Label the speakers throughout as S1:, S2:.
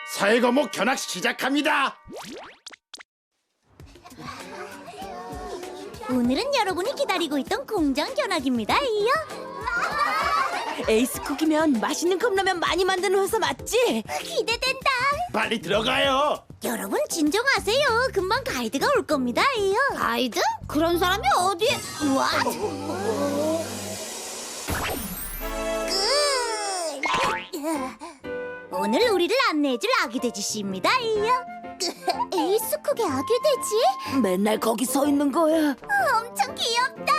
S1: 사회과목 견학 시작합니다.
S2: 오늘은 여러분이 기다리고 있던 공장 견학입니다. 이요.
S3: 에이스쿡이면 맛있는 컵라면 많이 만드는 회사 맞지?
S2: 기대된다.
S1: 빨리 들어가요.
S2: 여러분 진정하세요. 금방 가이드가 올 겁니다. 이요. 가이드? 그런 사람이 어디에? 와. 오늘 우리를 안내해줄 아기돼지 씨입니다. 이요. 에이스쿡의 아기돼지?
S3: 맨날 거기 서 있는 거야.
S2: 엄청 귀엽다.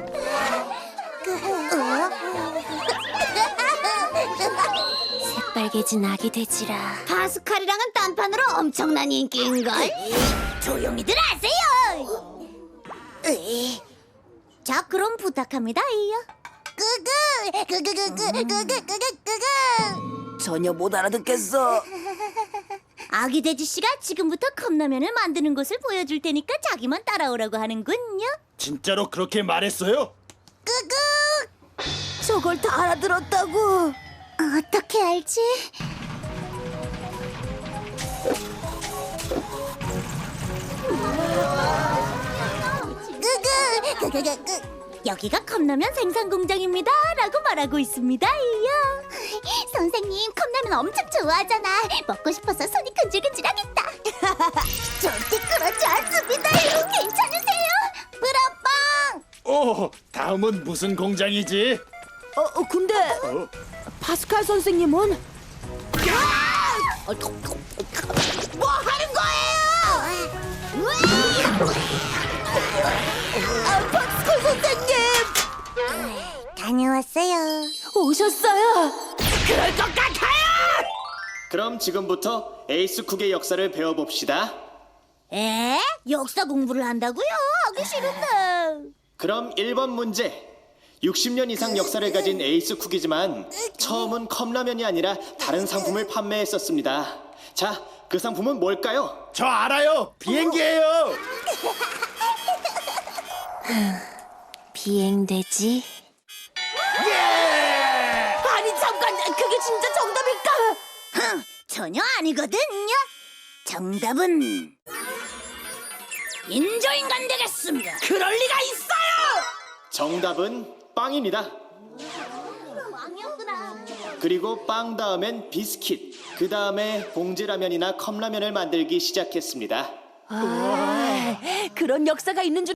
S3: 새빨개진 아기 돼지라.
S2: 파스칼이랑은 딴판으로 엄청난 인기인걸. 조용히들 하세요. 자, 그럼 부탁합니다. 이요.
S3: 전혀 못 알아듣겠어.
S2: 아기 돼지 씨가 지금부터 컵라면을 만드는 것을 보여줄 테니까 자기만 따라오라고 하는군요.
S1: 진짜로 그렇게 말했어요?
S3: 저걸 다 알아들었다고.
S2: 어떻게 알지? 여기가 컵라면 생산 공장입니다 라고 말하고 있습니다. 이요. 선생님, 컵라면 엄청 좋아하잖아. 먹고 싶어서 손이 근질근질하겠다. 절대 그렇지 않습니다. 괜찮으세요? 브라빵!
S1: 다음은 무슨 공장이지?
S3: 근데 파스칼 선생님은?
S2: 뭐 하는 거예요?
S3: 파스칼 선생님
S2: 다녀왔어요.
S3: 오셨어요.
S2: 그럴 것 같아요.
S4: 그럼 지금부터 에이스쿡의 역사를 배워봅시다.
S2: 에? 역사 공부를 한다고요? 하기 싫은데.
S4: 그럼 1번 문제. 60년 이상 역사를 가진 에이스쿡이지만 처음은 컵라면이 아니라 다른 상품을 판매했었습니다. 자, 그 상품은 뭘까요?
S1: 저 알아요. 비행기예요.
S3: 비행돼지?
S1: 예!
S3: 아니 잠깐, 그게 진짜 정답일까?
S2: 전혀 아니거든요. 정답은 인조인간 되겠습니다.
S3: 그럴 리가 있어요.
S4: 정답은 빵입니다.
S2: 왕이었구나.
S4: 그리고 빵 다음엔 비스킷, 그 다음에 봉지라면이나 컵라면을 만들기 시작했습니다.
S3: 그런 역사가 있는 줄